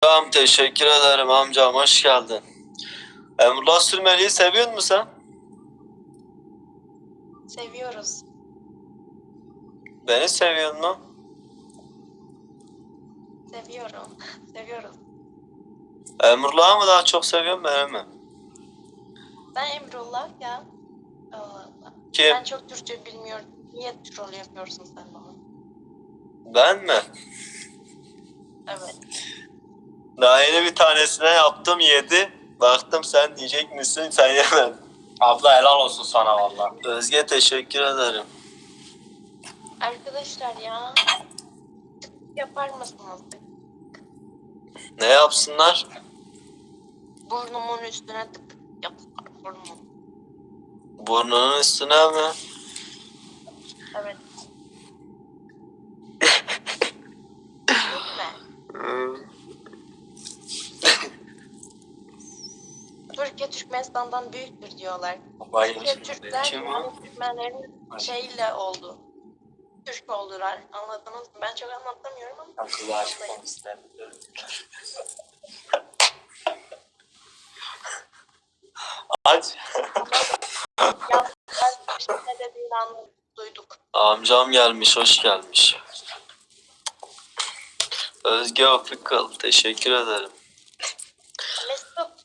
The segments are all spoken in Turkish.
Tamam, teşekkür ederim amcam, hoş geldin. Emrullah Sürmeli'yi seviyor musun sen? Seviyoruz. Beni seviyor mu? Seviyorum. Seviyoruz. Emrullah'ı mı daha çok seviyorsun, beni mi? Ben Emrullah ya. Allah Allah. Kim? Ben çok Türkçe bilmiyorum. Niye troll yapıyorsun sen bana? Ben mi? Evet. Daha yeni bir tanesine yaptım, yedi. Baktım sen diyecek misin, sen yemedin. Abla helal olsun sana valla. Özge, teşekkür ederim. Arkadaşlar ya. Tık yapar mısınız? Ne yapsınlar? Burnumun üstüne tık yapar burnumun. Burnunun üstüne mi? Evet. Lütfen. Türkiye Türkmenistan'dan büyüktür diyorlar. Türkiye Türkler Kim o? yani Türkmenlerin şeyle oldu. Türk oldular. Anladınız mı? Ben çok anlatamıyorum ama. Kızı aşkım istemiyorum. Aç. Ya ben işte ne dediğini duyduk. Amcam gelmiş, hoş gelmiş. Özge Afrikalı, teşekkür ederim. Mesut,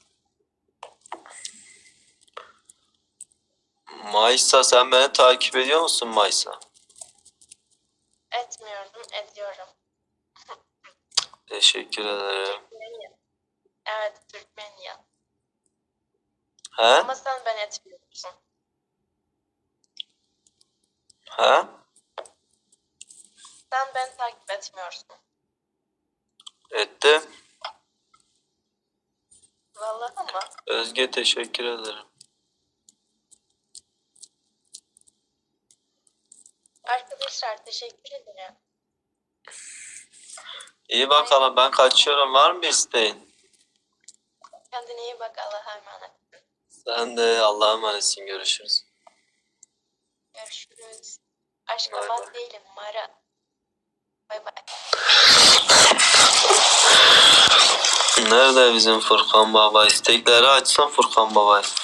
Maysa, sen beni takip ediyor musun Maysa? etmiyordum, ediyorum. Teşekkür ederim. Türkmeniye. Evet, Türkmeniye. He? Ama sen ben etmiyorsun. He? Sen ben takip etmiyorsun. Ettim. Vallahi ama. Özge, teşekkür ederim. Arkadaşlar teşekkür ederim. İyi bakalım, ben kaçıyorum. Var mı bir isteğin? Kendine iyi bak, Allah'a emanet. Sen de Allah'a emanetsin. Görüşürüz. Görüşürüz. Aşk Bay kapat bay. değilim, Mara. Bay bay. Nerede bizim Furkan Baba? İstekleri açsam Furkan Baba.